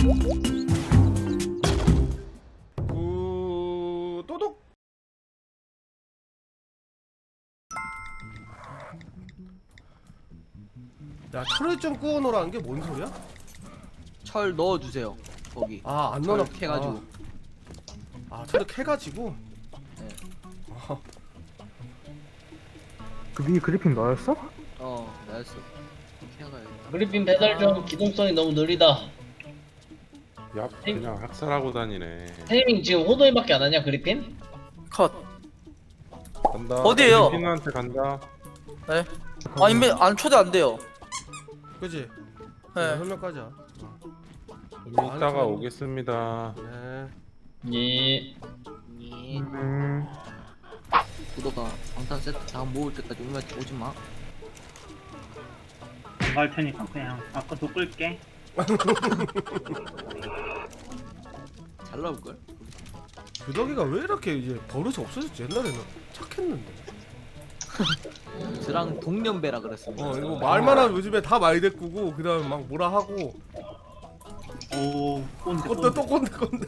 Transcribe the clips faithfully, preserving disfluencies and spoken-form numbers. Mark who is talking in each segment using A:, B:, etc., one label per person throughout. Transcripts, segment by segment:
A: 구 또독. 야 철을 좀 구워놓으라는 게 뭔 소리야?
B: 철 넣어주세요. 거기.
A: 아 안
B: 철
A: 넣어
B: 캐가지고.
A: 아 철을 캐가지고.
B: 네.
A: 어.
C: 그 위에 그리핀 너였어?
B: 어, 나였어. 캐가야겠다.
D: 그리핀 배달 좀 기동성이 너무 느리다.
E: 야 그냥 학살하고 다니네.
D: 태닝 지금 호도이밖에 안 하냐 그리핀?
F: 컷.
E: 간다.
F: 어디에요?
E: 필린한테 간다.
F: 네. 아 인벤 안 초대 안 돼요.
A: 그지?
F: 네.
A: 설명까지.
E: 좀 이따가 오겠습니다.
A: 네.
D: 예.
B: 예.
C: 음.
B: 구도가 방탄 세트 다 모을 때까지 오면 오지 마.
G: 안 갈 테니까 그냥 아까 도 끌게.
B: 잘 나올 걸.
A: 규덕이가 왜 이렇게 이제 버릇이 없어졌지? 옛날에는 착했는데.
B: 저랑 동년배라 그랬습니다.
A: 어 이거 말만 하면 요즘에 다 많이 데꾸고 그다음에 막 뭐라 하고.
G: 오, 꼰대
A: 꼰대
G: 꼰대.
A: 또 꼰대 꼰대.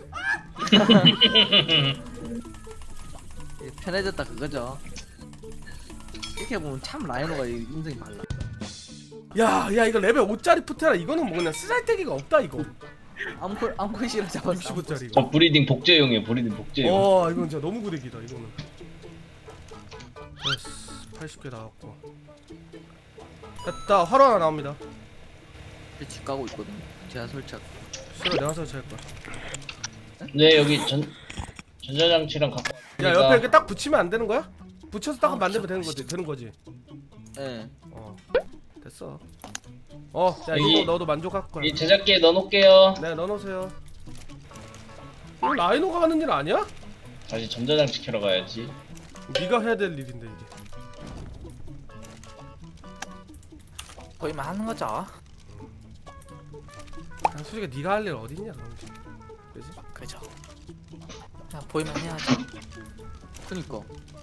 B: 편해졌다 그거죠. 이렇게 보면 참 라이노가 인생이 발라.
A: 야야 이거 레벨 오짜리 푸테라 이거는 뭐 그냥 쓰잘데기가 없다 이거.
B: 암콜 암콜씨를 잡았어.
A: 육십오 짜리
D: 저
A: 이거.
D: 브리딩 복제용이에요. 브리딩 복제용.
A: 어 이건 진짜 너무 구대기다 이거는. 됐어 팔십 개 나왔고. 됐다 화로 하나 나옵니다.
B: 집 가고 있거든. 제가 설치할.
A: 싫어 내가 설치할 거야.
D: 네 여기 전 전자장치랑 갖고
A: 야
D: 왔으니까.
A: 옆에 이렇게 딱 붙이면 안 되는 거야? 붙여서 딱
B: 아,
A: 만들면
B: 진짜
A: 되는 거지 되는 거지.
B: 예.
A: 어 됐어. 어야
D: 여기-
A: 이거 너도 만족할 거야.
D: 이 제작기에 넣어놓을게요.
A: 네 넣어놓으세요. 이거 라이노가 하는 일 아니야?
D: 다시 전자장치 켜러 가야지.
A: 네가 해야 될 일인데 이게.
F: 거기만 하는 거죠.
A: 아, 솔직히 네가 할 일 어딨냐 그런 게. 그지?
F: 그죠. 그냥 보이면 해야죠.
B: 그니까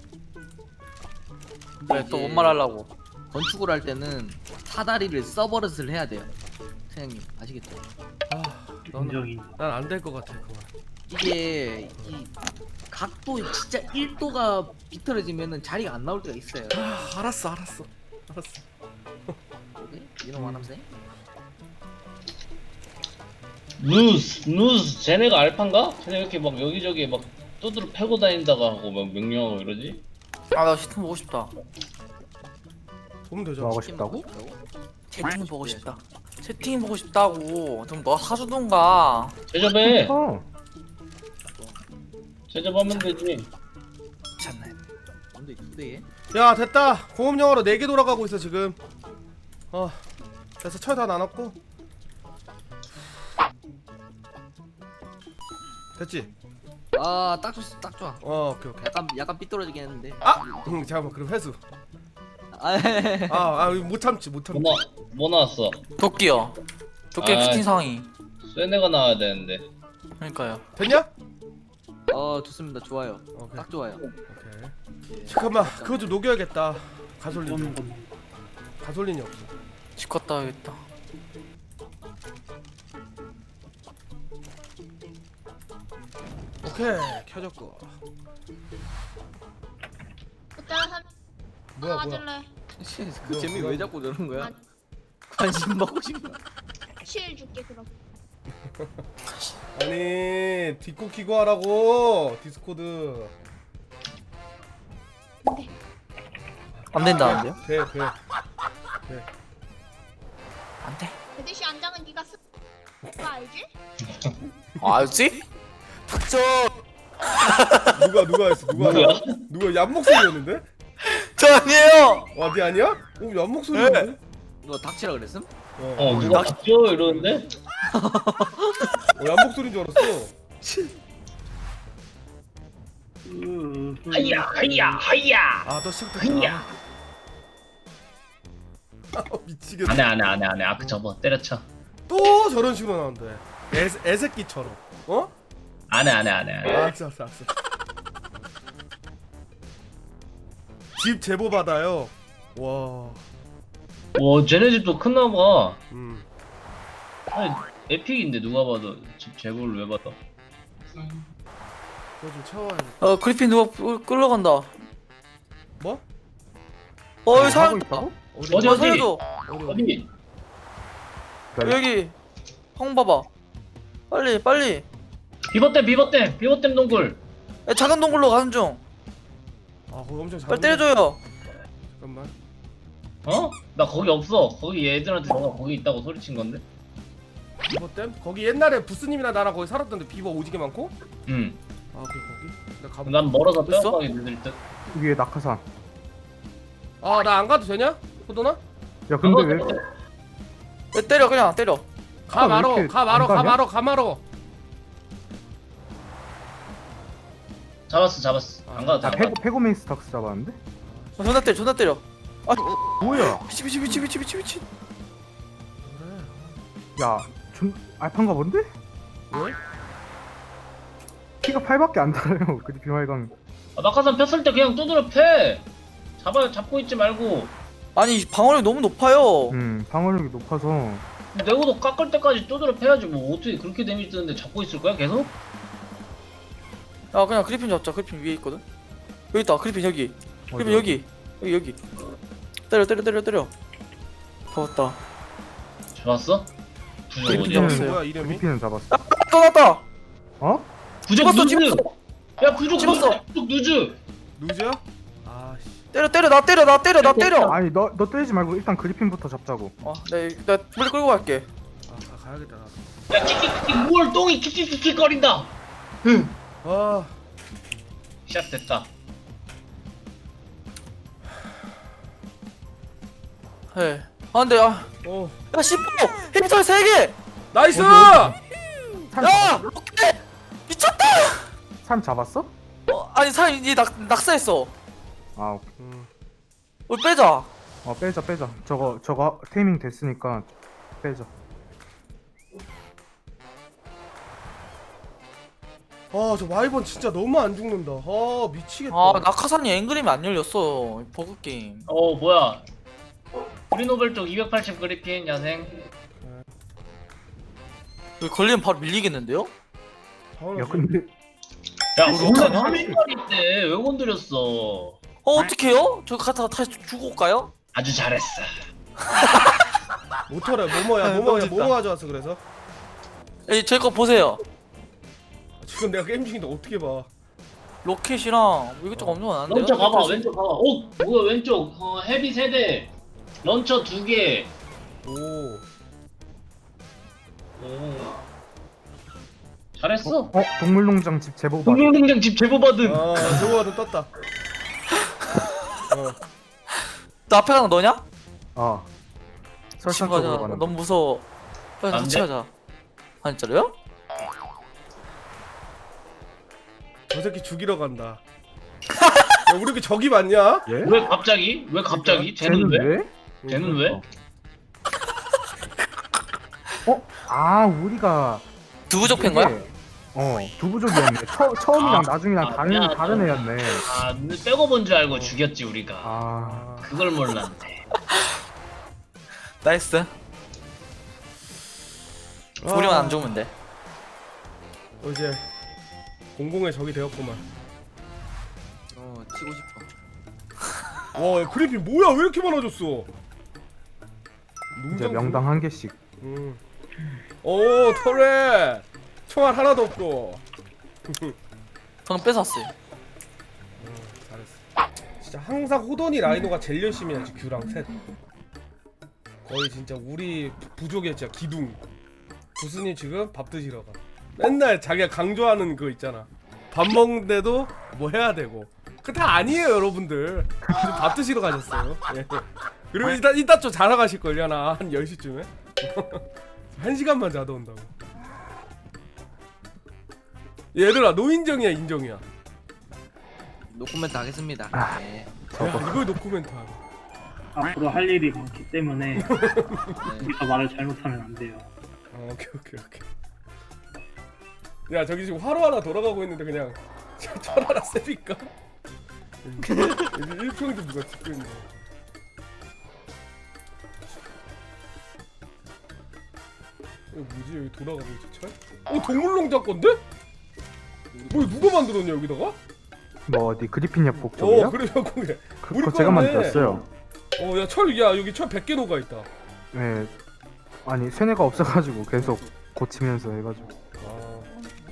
F: 왜 또 뭔 말 하려고?
B: 건축을 할 때는 사다리를 써버릇을 해야 돼요. 사장님 아시겠죠?
A: 아 너는
G: 인정이.
A: 난안 될 것 같아 그건.
B: 이게 이 각도 진짜 일 도가 비틀어지면은 자리가 안 나올 때가 있어요.
A: 아 알았어 알았어 알았어.
B: 네? 이런 거 하면서
D: 누스 누스 쟤네가 알판가? 쟤네 이렇게 막 여기저기 막 두드러 패고 다닌다가 하고 막 명령하고 이러지?
F: 아나 시트 보고 싶다.
A: 보면 되죠.
C: 뭐 하고 싶다고?
F: 채팅 보고 싶다. 채팅 보고 싶다고. 좀 너 사주던가.
D: 제접해.
C: 어.
D: 제접하면 되지.
F: 괜찮네.
B: 근데 두 대에
A: 야 됐다. 공업 영화로 네 개 돌아가고 있어 지금. 어 그래서 철 다 나눴고. 됐지?
B: 아딱 좋, 딱 좋아.
A: 어 오케이 오케이.
B: 약간 약간 삐뚤어지긴 했는데.
A: 아! 응 잠깐만 그럼 회수.
B: 아,
A: 아아못 참지 못 참지.
D: 뭐, 나, 뭐 나왔어?
F: 도끼요. 도끼
D: 아.
F: 피팅 상황이.
D: 쇠네가 나와야 되는데.
F: 그러니까요.
A: 됐냐?
B: 어 좋습니다. 좋아요.
A: 오케이
B: 딱 좋아요.
A: 오케이. 잠깐만 그거 좀 녹여야겠다. 가솔린.
G: 꼰 꼰대.
A: 가솔린이 없어.
F: 치과 따야겠다.
A: 오케이 켜졌고.
H: 그때가 사
A: 뭐야 뭐야.
H: 맞을래.
B: 그
A: 뭐,
B: 재미
A: 뭐.
B: 왜 자꾸 저런 거야?
H: 아.
B: 관심 받고 싶나?
H: 실 줄게 그럼.
A: 아니 디코 키고 하라고 디스코드.
F: 안 된다는데요?
A: 돼 돼.
F: 안 돼.
H: 대대시 안장은 네가 쓰. 그거 알지?
F: 알지? 닥쳐.
A: 누가 누가 했어 누가
D: 누구야?
A: 누가 얀 목소리였는데?
F: 저 아니에요.
A: 와네 아니야? 오얀 목소리였는데?
B: 너 닥치라 그랬음?
A: 어,
D: 어 누가 봤죠? 이러는데?
A: 어, 얀 목소리인 줄 알았어.
G: 으, 으.
D: 하이야 하이야 하이야.
A: 아너 시작됐다. 아, 미치겠다.
D: 안해 안해 안해 안해. 아크 접어 때려쳐.
A: 또 저런 식으로 나온대. 애 애새끼처럼. 어?
D: 안해 안해 안해 안해.
A: 알았어 알았어 알았어. 집 제보 받아요. 와.
D: 와 쟤네 집도 큰나봐.
A: 음.
D: 아니 에픽인데 누가 봐도 집 제보를 왜 받아?
A: 그거 좀 채워야겠다.
F: 어 그리핀 누가 끌- 끌러간다.
A: 뭐?
F: 어 여기
G: 하고
F: 사람
G: 있다고?
A: 어디
D: 어디,
F: 어,
D: 어디?
F: 살려줘.
A: 어디 어디?
D: 어디?
F: 여기 형 봐봐. 빨리 빨리.
D: 비버댐 비버댐 비버댐 동굴.
F: 야, 작은 동굴로 가는 중.
A: 아 거기 엄청 잘.
F: 빨리 때려줘요.
A: 잠깐만.
D: 어? 나 거기 없어. 거기 얘들한테 너가 거기 있다고 소리친 건데.
A: 비버댐? 거기 옛날에 부스님이랑 나랑 거기 살았던데 비버 오지게 많고?
D: 응.
A: 아 그래 거기? 나 가보.
D: 난 멀어서
F: 됐어?
D: 뼈가게 늦을 듯.
C: 위에 낙하산.
A: 아나 안 가도 되냐? 호도나?
C: 야 근데 왜
F: 야, 때려 그냥 때려.
A: 가
C: 아, 왜
A: 말어
C: 이렇게
A: 가 말어
C: 안
A: 가
C: 가냐?
A: 말어 가 말어.
D: 잡았어 잡았어. 안 가도 돼.
C: 아
D: 안
C: 페고
D: 가도 돼.
C: 페고메이스탁스 잡았는데?
F: 어, 존나 때려 존나 때려.
C: 뭐야?
F: 미치 미치 미치 미치 미치 미치.
A: 그래.
C: 야, 좀 알판가 본데?
A: 왜?
C: 피가 팔밖에 안 달아요. 그 비말강.
D: 아, 낙하산 폈을 때 그냥 두드려 패. 잡아 잡고 있지 말고.
F: 아니 방어력이 너무 높아요.
C: 음, 방어력이 높아서.
D: 내고도 깎을 때까지 두드려 패야지. 뭐 어떻게 그렇게 데미지 뜨는데 잡고 있을 거야 계속?
F: 야 그냥 그리핀 잡자. 그리핀 위에 있거든. 여기 있다. 그리핀 여기. 그리핀 여기. 여기 여기. 때려 때려 때려 때려. 잡았다.
D: 잡았어? 부족
F: 그리핀
D: 어디야?
F: 잡았어요.
A: 이름이 뭐야 이름이?
C: 그리핀은 잡았어.
F: 또 났다.
C: 어?
D: 부족
F: 찍었어
D: 누즈!
F: 찍었어.
D: 야 부족
F: 찍었어.
D: 누즈! 부족 누즈!
A: 누구야? 아씨.
F: 때려 때려 나 때려 나 때려 나 때려.
C: 아니 너 너 때리지 말고 일단 그리핀부터 잡자고.
F: 어내나 물리 끌고 갈게.
A: 아 가, 가야겠다 나도.
D: 야 킥킥킥 뭘 똥이 킥킥킥킥 거린다!
A: 아
D: 시작됐다.
F: 해. 아 근데 아.
A: 어.
F: 야 십 호 힙털 세 개.
A: 나이스!
C: 참,
F: 야 로켓 미쳤다.
C: 참 잡았어?
F: 어, 아니 사람 이낙 낙사했어.
C: 아, 오케이.
A: 음.
F: 우리 빼자.
C: 어 빼자 빼자. 저거 저거 테이밍 됐으니까 빼자.
A: 아저 와이번 진짜 너무 안 죽는다. 아 미치겠다.
F: 아 낙하산이 앵그림이 안 열렸어. 버그 게임.
D: 어 뭐야? 프리노벨 쪽 이백팔십 그리핀 야생.
F: 여기 걸리면 바로 밀리겠는데요?
A: 다운로드.
C: 야 근데
D: 야
F: 우리
D: 원래
F: 어떡하냐?
D: 삼 일만인데 왜 건드렸어?
F: 어 어떡해요? 저 갔다가 다시 주고 올까요?
D: 아주 잘했어.
A: 모터래 모모야
F: 너무
A: 모모야
F: 멋있다.
A: 모모 가져왔어 그래서.
F: 제거 보세요.
A: 지금 내가 게임 중인데 어떻게 봐?
F: 로켓이랑 이것저것 엄청 많은데요?
D: 런처 가봐 왼쪽 가봐. 어 뭐야 왼쪽 어, 헤비 세대 런처 두 개.
A: 오.
D: 오. 잘했어.
C: 어 동물농장 집 제보 받.
D: 동물농장 집 제보 받은.
A: 아 저거도 떴다. 어.
F: 너 앞에 가는 거 너냐?
C: 아.
F: 같이
C: 설산
F: 가자.
C: 쪽으로 가는.
F: 너무 무서워. 빨리
D: 안
F: 같이
D: 돼?
F: 가자. 아 진짜로요?
A: 저 새끼 죽이러 간다. 야, 우리 그 적이 많냐?
C: 예?
D: 왜 갑자기? 왜 갑자기? 쟤는 왜? 쟤는 왜?
C: 어? 아 우리가
F: 두부족 팬 거야?
C: 이게- 어 두부족이었네. 처, 처음이랑
D: 아,
C: 나중이랑
D: 아,
C: 다른
D: 미안하다.
C: 다른 애였네.
D: 아 눈을 빼고 본 줄 알고 죽였지 우리가.
C: 아
A: 아,
D: 그걸 몰랐네.
F: 나이스. 우리만 안 죽으면 돼.
A: 어, 이제 공공의 적이 되었구만.
B: 어 치고 싶어.
A: 와, 야, 그래픽 뭐야? 왜 이렇게 많아졌어?
C: 이제
A: 농장
C: 명당 한 개씩.
A: 음. 오, 터렛. 총알 하나도 없고.
F: 저는 뺏었어요.
A: 음, 잘했어. 진짜 항상 호돈이 라이노가 제일 열심히 하지. 규랑 셋. 거의 진짜 우리 부족의 진짜 기둥. 부스님 지금 밥 드시러 가. 맨날 자기가 강조하는 그거 있잖아. 밥 먹는데도 뭐 해야 되고. 그 다 아니에요, 여러분들. 지금 밥 드시러 가셨어요. 예. 그리고 이따 이따 좀 자러 가실 걸요, 나 한 열 시쯤에. 한 시간만 자다 온다고. 얘들아, 노인정이야, 인정이야.
B: 노코멘트 하겠습니다. 네.
A: 야, 이걸 노코멘트야.
G: 앞으로 할 일이 많기 때문에
B: 네.
G: 우리가 말을 잘못하면 안 돼요.
A: 어, 오케이 오케이 오케이. 야, 저기 지금 화로 하나 돌아가고 있는데 그냥 철 하나 셉니까? 여기 일평도 누가 찍고 있네. 이거 뭐지? 여기 돌아가고 있지 철? 어 동물농장 건데? 뭐 누가 만들었냐 여기다가?
C: 뭐 어디 그리핀 협곡 쪽이요?
A: 어 그래 그래. 우리
C: 그거 제가
A: 거네.
C: 만들었어요.
A: 어야 철 야 여기 철 백 개 녹아 있다.
C: 네. 아니 세뇌가 없어가지고 계속 고치면서 해가지고.
A: 아.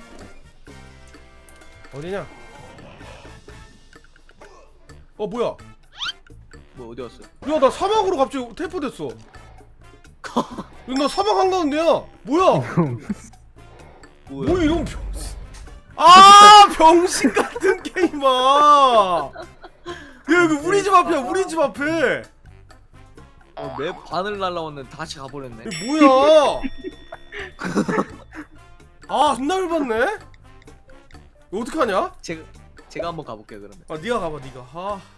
A: 어디냐? 어 뭐야?
B: 뭐 어디 갔어?
A: 야 나 사막으로 갑자기 텔포됐어. 나 사막 한가운데야. 뭐야? 뭐 이런 병신. 아 병신 같은 게임아. 야 여기 우리 집 앞이야. 우리 집 앞에.
B: 어, 맵 반을 날라왔는데 다시 가버렸네.
A: 이게 뭐야? 아 존나 열받네. 이거 어떡하냐?
B: 제가 제가 한번 가볼게요 그러면.
A: 아 네가 가봐 네가. 아.